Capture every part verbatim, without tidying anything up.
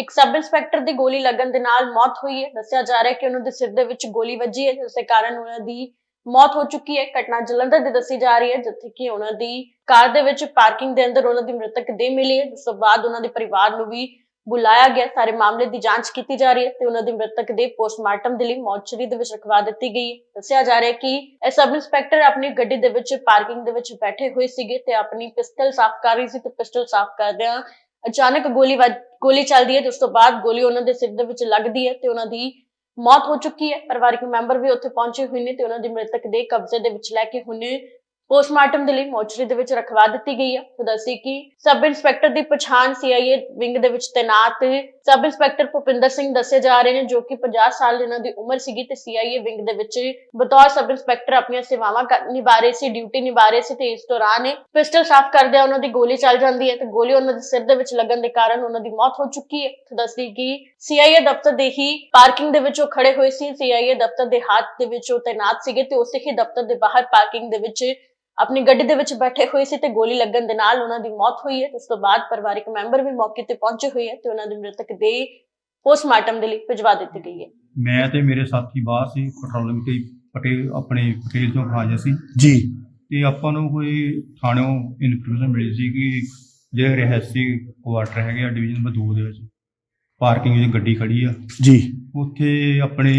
ਇੱਕ sub inspector ਦੀ ਗੋਲੀ ਲੱਗਣ ਦੇ ਨਾਲ ਮੌਤ ਹੋਈ ਹੈ। ਦੱਸਿਆ ਜਾ ਰਿਹਾ ਹੈ ਕਿ ਉਹਨਾਂ ਦੇ ਸਿਰ ਦੇ ਵਿੱਚ ਗੋਲੀ ਵੱਜੀ ਹੈ, ਜਿਸ ਦੇ ਕਾਰਨ ਉਹਨਾਂ ਦੀ ਮੌਤ ਹੋ ਚੁੱਕੀ ਹੈ। ਘਟਨਾ ਜਲੰਧਰ ਦੀ ਦੱਸੀ ਜਾ ਰਹੀ ਹੈ, ਜਿੱਥੇ ਕਿ ਉਹਨਾਂ ਦੀ ਕਾਰ ਦੇ ਵਿੱਚ ਪਾਰਕਿੰਗ ਦੇ ਅੰਦਰ ਉਹਨਾਂ ਦੀ ਮ੍ਰਿਤਕ ਦੇਹ ਮਿਲੀ ਹੈ, ਜਿਸ ਤੋਂ ਬਾਅਦ ਉਹਨਾਂ ਦੇ ਪਰਿਵਾਰ ਨੂੰ ਵੀ ਬੁਲਾਇਆ ਗਿਆ। ਸਾਰੇ ਮਾਮਲੇ ਦੀ ਜਾਂਚ ਕੀਤੀ ਜਾ ਰਹੀ ਹੈ ਤੇ ਉਹਨਾਂ ਦੀ ਮ੍ਰਿਤਕ ਦੇ ਪੋਸਟਮਾਰਟਮ ਦੇ ਲਈ ਮੋਰਚਰੀ ਦੇ ਵਿੱਚ ਰਖਵਾ ਦਿੱਤੀ ਗਈ ਹੈ। ਦੱਸਿਆ ਜਾ ਰਿਹਾ ਹੈ ਕਿ ਇਹ ਸਬ ਇੰਸਪੈਕਟਰ ਆਪਣੀ ਗੱਡੀ ਦੇ ਵਿੱਚ ਪਾਰਕਿੰਗ ਦੇ ਵਿੱਚ ਬੈਠੇ ਹੋਏ ਸੀਗੇ ਤੇ ਆਪਣੀ ਪਿਸਟਲ ਸਾਫ਼ ਕਰ ਰਹੀ ਸੀ ਤੇ ਪਿਸਟਲ ਸਾਫ਼ ਕਰਦਿਆਂ ਅਚਾਨਕ ਗੋਲੀ ਗੋਲੀ ਚੱਲਦੀ ਹੈ, ਜਿਸ ਤੋਂ ਬਾਅਦ ਗੋਲੀ ਉਹਨਾਂ ਦੇ ਸਿਰ ਦੇ ਵਿੱਚ ਲੱਗਦੀ ਹੈ ਤੇ ਉਹਨਾਂ ਦੀ ਮੌਤ ਹੋ ਚੁੱਕੀ ਹੈ। ਪਰਿਵਾਰਕ ਮੈਂਬਰ ਵੀ ਉੱਥੇ ਪਹੁੰਚੇ ਹੋਏ ਨੇ ਤੇ ਉਹਨਾਂ ਦੀ ਮ੍ਰਿਤਕ ਦੇ ਕਬਜ਼ੇ ਦੇ ਵਿੱਚ ਲੈ ਕੇ ਹੁਣੇ ਪੋਸਟਮਾਰਟਮ ਦੇ ਲਈ ਮੋਰਚਰੀ ਦੇ ਵਿੱਚ ਰਖਵਾ ਦਿੱਤੀ ਗਈ ਹੈ। ਤਾਂ ਦੱਸੀ ਕਿ ਸਬ ਇੰਸਪੈਕਟਰ ਦੀ ਪਛਾਣ ਸੀਆਈਏ ਵਿੰਗ ਦੇ ਵਿੱਚ ਤੈਨਾਤ ਸਬ ਇੰਸਪੈਕਟਰ ਭੁਪਿੰਦਰ ਸਿੰਘ ਦੱਸੇ ਜਾ ਰਹੇ ਨੇ, ਜੋ ਕਿ ਪੰਜਾਹ ਸਾਲ ਇਹਨਾਂ ਦੀ ਉਮਰ ਸੀਗੀ ਤੇ ਸੀਆਈਏ ਵਿੰਗ ਦੇ ਵਿੱਚ ਬਤੌਰ ਸਬ ਇੰਸਪੈਕਟਰ ਆਪਣੀਆਂ ਸੇਵਾਵਾਂ ਨਿਭਾ ਰਹੇ ਸੀ, ਡਿਊਟੀ ਨਿਭਾ ਰਹੇ ਸੀ ਤੇ ਇਸ ਦੌਰਾਨ ਪਿਸਟਲ ਸਾਫ਼ ਕਰਦਿਆਂ ਉਹਨਾਂ ਦੀ ਗੋਲੀ ਚੱਲ ਜਾਂਦੀ ਹੈ ਤੇ ਗੋਲੀ ਉਹਨਾਂ ਦੇ ਸਿਰ ਦੇ ਵਿੱਚ ਲੱਗਣ ਦੇ ਕਾਰਨ ਉਹਨਾਂ ਦੀ ਮੌਤ ਹੋ ਚੁੱਕੀ ਹੈ। ਤਾਂ ਦੱਸਦੀ ਕਿ ਸੀਆਈਏ ਦਫ਼ਤਰ ਦੇ ਹੀ ਪਾਰਕਿੰਗ ਦੇ ਵਿੱਚ ਉਹ ਖੜੇ ਹੋਏ ਸੀ, ਸੀਆਈਏ ਦਫ਼ਤਰ ਦੇ ਹੱਥ ਦੇ ਵਿੱਚ ਉਹ ਤੈਨਾਤ ਸੀਗੇ ਤੇ ਉਸੇ ਹੀ ਦਫ਼ਤਰ ਦੇ ਬਾਹਰ ਪਾਰਕਿੰਗ ਦੇ ਵਿੱਚ ਆਪਣੀ ਗੱਡੀ ਦੇ ਵਿੱਚ ਬੈਠੇ ਹੋਏ ਸੀ ਤੇ ਗੋਲੀ ਲੱਗਣ ਦੇ ਨਾਲ ਉਹਨਾਂ ਦੀ ਮੌਤ ਹੋਈ ਹੈ। ਉਸ ਤੋਂ ਬਾਅਦ ਪਰਿਵਾਰਕ ਮੈਂਬਰ ਵੀ ਮੌਕੇ ਤੇ ਪਹੁੰਚੇ ਹੋਏ ਹੈ ਤੇ ਉਹਨਾਂ ਦੀ ਮ੍ਰਿਤਕ ਦੇ ਪੋਸਟਮਾਰਟਮ ਦੇ ਲਈ ਭਿਜਵਾ ਦਿੱਤੀ ਗਈ ਹੈ। ਮੈਂ ਤੇ ਮੇਰੇ ਸਾਥੀ ਬਾਹਰ ਸੀ ਪੈਟਰੋਲਿੰਗ ਤੇ ਪਟੇਲ ਆਪਣੇ ਪਟੇਲ ਤੋਂ ਖਾਜਾ ਸੀ ਜੀ ਤੇ ਆਪਾਂ ਨੂੰ ਕੋਈ ਥਾਣਿਓਂ ਇਨਫੋਰਮੇਸ਼ਨ ਮਿਲੀ ਸੀ ਕਿ ਜਿਹੜੇ ਰਹਿਸੀ ਕੁਆਟਰ ਹੈਗੇ ਆ ਡਿਵੀਜ਼ਨ ਨੰਬਰ ਦੋ ਦੇ ਵਿੱਚ ਪਾਰਕਿੰਗ ਵਿੱਚ ਗੱਡੀ ਖੜੀ ਆ ਜੀ, ਉੱਥੇ ਆਪਣੇ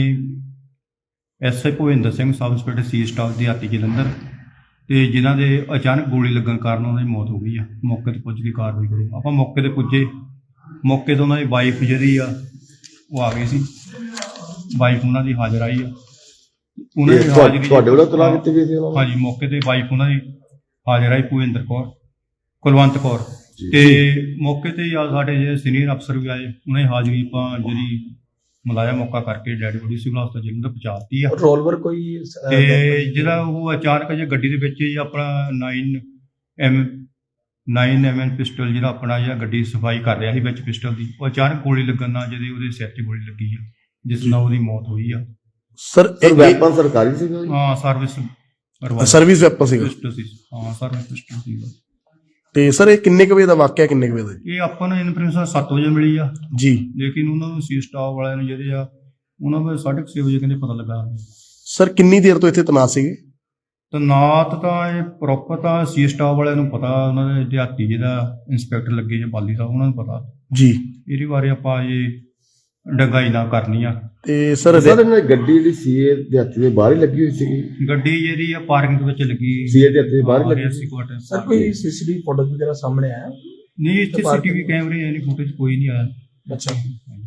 SI Bhupinder Singh sub inspector ਸੀ ਸਟਾਫ ਦੇ ਹਾਤੀ ਜਲੰਧਰ ਤੇ ਜਿਨ੍ਹਾਂ ਦੇ ਅਚਾਨਕ ਗੋਲੀ ਲੱਗਣ ਕਾਰਨ ਉਹਨਾਂ ਦੀ ਮੌਤ ਹੋ ਗਈ ਆ। ਮੌਕੇ ਤੇ ਪੁੱਜ ਕੇ ਕਾਰਵਾਈ ਕਰੋ। ਆਪਾਂ ਮੌਕੇ ਤੇ ਪੁੱਜੇ, ਮੌਕੇ ਤੇ ਉਹਨਾਂ ਦੀ ਵਾਈਫ ਜਿਹੜੀ ਆ ਉਹ ਆ ਗਈ ਸੀ, ਵਾਈਫ ਉਹਨਾਂ ਦੀ ਹਾਜ਼ਰ ਆਈ ਆ। ਉਹਨਾਂ ਦੀ ਹਾਜ਼ਰੀ ਤੁਹਾਡੇ ਵੱਲੋਂ ਤਲਾਕ ਦਿੱਤੀ ਗਈ ਸੀ? ਹਾਂਜੀ, ਮੌਕੇ ਤੇ ਵਾਈਫ ਉਹਨਾਂ ਦੀ ਹਾਜ਼ਰ ਆਈ ਭੁਪਿੰਦਰ ਕੌਰ ਕੁਲਵੰਤ ਕੌਰ ਤੇ ਮੌਕੇ ਤੇ ਆ ਸਾਡੇ ਜਿਹੜੇ ਸੀਨੀਅਰ ਅਫਸਰ ਵੀ ਆਏ, ਉਹਨਾਂ ਦੀ ਹਾਜ਼ਰੀ ਆਪਾਂ ਜਿਹੜੀ ਮਲਾਇਆ ਮੌਕਾ ਕਰਕੇ ਡੈਡ ਬੋਡੀ ਸਿਵਲ ਹਸਪਤਾਲ ਜਲੰਧਰ ਪਹੁੰਚਾਤੀ ਆ। ਰੋਲਵਰ ਕੋਈ ਤੇ ਜਿਹੜਾ ਉਹ ਅਚਾਨਕ ਜੇ ਗੱਡੀ ਦੇ ਵਿੱਚ ਹੀ ਆਪਣਾ nine M nine M N pistol ਜਿਹੜਾ ਆਪਣਾ ਜਿਹੜਾ ਗੱਡੀ ਸਫਾਈ ਕਰ ਰਿਹਾ ਸੀ ਵਿੱਚ ਪਿਸਟਲ ਦੀ, ਉਹ ਅਚਾਨਕ ਗੋਲੀ ਲੱਗਣ ਨਾਲ ਜਿਹਦੇ ਉਹਦੇ ਸਿਰ 'ਚ ਗੋਲੀ ਲੱਗੀ ਆ, ਜਿਸ ਨਾਲ ਉਹਦੀ ਮੌਤ ਹੋਈ ਆ। ਸਰ ਵੈਪਨ ਸਰਕਾਰੀ ਸੀ? ਹਾਂ, ਸਰਵਿਸ ਸਰਵਿਸ ਵੈਪਨ ਸੀ। ਪਿਸਟਲ ਸੀ, ਹਾਂ ਸਰਵਿਸ ਪਿਸਟਲ ਸੀ। ਤੇ ਸਰ ਇਹ ਕਿੰਨੇ ਕੁ ਵਜੇ ਦਾ ਵਾਕਿਆ, ਕਿੰਨੇ ਕੁ ਵਜੇ ਦਾ? ਇਹ ਆਪਾਂ ਨੂੰ ਇਨਫੋਰਮੇਸ਼ਨ ਸੱਤ ਵਜੇ ਮਿਲੀ ਆ ਜੀ, ਲੇਕਿਨ ਉਹਨਾਂ ਨੂੰ ਸੀ ਸਟਾਫ ਵਾਲਿਆਂ ਨੂੰ ਜਿਹੜੇ ਆ ਉਹਨਾਂ ਨੂੰ ਸਾਢੇ ਛੇ ਵਜੇ ਕਹਿੰਦੇ ਪਤਾ ਲੱਗਾ। ਸਰ ਕਿੰਨੀ ਦੇਰ ਤੋਂ ਇੱਥੇ ਤੈਨਾਤ ਸੀਗੇ? ਤੈਨਾਤ ਤਾਂ ਇਹ ਪ੍ਰੋਪਰ ਤਾਂ ਸੀ ਸਟਾਫ ਵਾਲਿਆਂ ਨੂੰ ਪਤਾ, ਉਹਨਾਂ ਦੇ ਦਿਹਾਤੀ ਜਿਹੜਾ ਇੰਸਪੈਕਟਰ ਲੱਗੇ ਜਾਂ ਬਾਲੀ ਸਾਹਿਬ ਉਹਨਾਂ ਨੂੰ ਪਤਾ ਜੀ। ਇਹਦੇ ਬਾਰੇ ਆਪਾਂ ਇਹ ਡੰਗਾਈ ਨਾ ਕਰਨੀ ਆ। ਤੇ ਸਰ ਗੱਡੀ ਜਿਹੜੀ ਸੀ ਇਹ ਦਿਹਾਤੀ ਦੇ ਬਾਹਰ ਹੀ ਲੱਗੀ ਹੋਈ ਸੀਗੀ? ਗੱਡੀ ਜਿਹੜੀ ਆ ਪਾਰਕਿੰਗ ਦੇ ਵਿੱਚ ਲੱਗੀ ਸੀ, ਦਿਹਾਤੀ ਦੇ ਬਾਹਰ ਲੱਗੀ ਸੀ। ਸਰ ਕੋਈ ਸੀਸੀਟੀਵੀ ਫੁਟੇਜ ਵਗੈਰਾ ਸਾਹਮਣੇ ਆਇਆ? ਨਹੀਂ, ਇੱਥੇ ਸੀਸੀਟੀਵੀ ਕੈਮਰੇ ਯਾਨੀ ਫੁਟੇਜ ਕੋਈ ਨਹੀਂ ਆਇਆ। ਅੱਛਾ।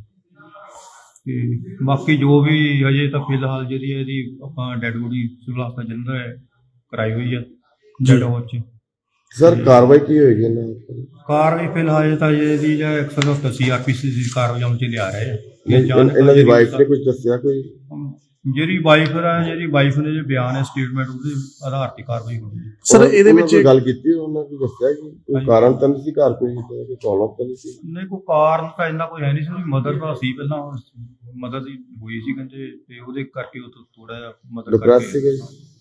ਤੇ ਬਾਕੀ ਜੋ ਵੀ ਅਜੇ ਤਾਂ ਫਿਲਹਾਲ ਜਿਹੜੀ ਇਹਦੀ ਆਪਾਂ ਡੈਡ ਬੋਡੀ ਸਿਵਲ ਹਸਪਤਾਲ ਜਲੰਧਰ ਕਰਾਈ ਹੋਈ ਆ ਡੈਡ ਹਾਊਸ 'ਚ। ਸਰ ਕਾਰਵਾਈ ਕੀ ਹੋਏਗੀ ਇਹਨਾਂ ਦੀ? ਕਾਰਵਾਈ ਫਿਲਹਾਲ ਤਾਂ ਇਹਦੀ ਜਾਂ ਇੱਕ ਸੌ ਸੱਤਰ ਸੀ ਆਰ ਪੀ ਸੀ ਦੀ ਕਾਰਵਾਈ ਅਮਲ 'ਚ ਲਿਆ ਰਹੇ ਆ। ਇਹਨਾਂ ਦੀ ਵਾਈਫ ਨੇ ਕੁਝ ਦੱਸਿਆ? ਕੋਈ ਜਿਹੜੀ ਵਾਈਫ ਆ ਜਿਹੜੀ ਵਾਈਫ ਨੇ ਜੇ ਬਿਆਨ ਹੈ ਸਟੇਟਮੈਂਟ ਉਹਦੇ ਆਧਾਰ ਤੇ ਕਾਰਵਾਈ ਹੋਣੀ ਹੈ। ਸਰ ਇਹਦੇ ਵਿੱਚ ਗੱਲ ਕੀਤੀ ਉਹਨਾਂ ਨੇ ਦੱਸਿਆ ਕਿ ਕੋਈ ਕਾਰਨ ਤਾਂ ਨਹੀਂ ਸੀ ਘਰ ਕੋਈ ਕੋਈ ਪ੍ਰੋਬਲਮ ਤਾਂ ਨਹੀਂ ਸੀ? ਨਹੀਂ, ਕੋਈ ਕਾਰਨ ਤਾਂ ਇੰਨਾ ਕੋਈ ਹੈ ਨਹੀਂ ਸੀ। ਉਹਦੀ ਮਦਰ ਦਾ ਸੀ, ਪਹਿਲਾਂ ਮਦਰ ਦੀ ਹੋਈ ਸੀ ਕਹਿੰਦੇ ਤੇ ਉਹਦੇ ਕਰਕੇ ਉਹ ਥੋੜਾ ਜਿਹਾ ਮਦਰ ਕਰਕੇ।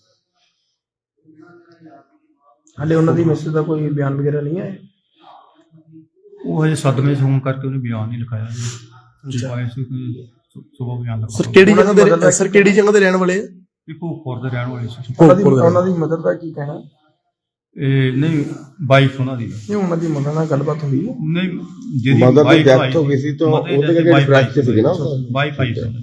ਹਾਲੇ ਉਹਨਾਂ ਦੀ ਮੈਸੇਜ ਦਾ ਕੋਈ ਬਿਆਨ ਵਗੈਰਾ ਨਹੀਂ ਆਇਆ? ਉਹ ਹਜੇ ਸਦਮੇ ਚ ਹੋਣ ਕਰਕੇ ਉਹਨੇ ਬਿਆਨ ਨਹੀਂ ਲਿਖਾਇਆ ਜੀ। ਸੁਬਹ ਬਿਆਨ ਲਿਖਾਇਆ। ਸਰ ਕਿਹੜੀ ਜਗ੍ਹਾ ਦੇ ਸਰ ਕਿਹੜੀ ਜਗ੍ਹਾ ਦੇ ਰਹਿਣ ਵਾਲੇ ਆ? ਭੋਗਪੁਰ ਦੇ ਰਹਿਣ ਵਾਲੇ ਸੀ। ਉਹਨਾਂ ਦੀ ਮਦਰ ਦਾ ਕੀ ਕਹਿਣਾ? ਇਹ ਨਹੀਂ, ਵਾਈਫ ਉਹਨਾਂ ਦੀ ਨਹੀਂ, ਉਹਨਾਂ ਦੀ ਮਦਰ ਨਾਲ ਗੱਲਬਾਤ ਹੋਈ? ਨਹੀਂ, ਜਿਹਦੀ ਮਦਰ ਦੀ ਡੈਥ ਹੋ ਗਈ ਸੀ ਤਾਂ ਉਹਦੇ ਕਰਕੇ ਡਿਪਰੈਸ਼ਨ ਸੀ ਨਾ। ਵਾਈਫ ਆਈ ਸੀ।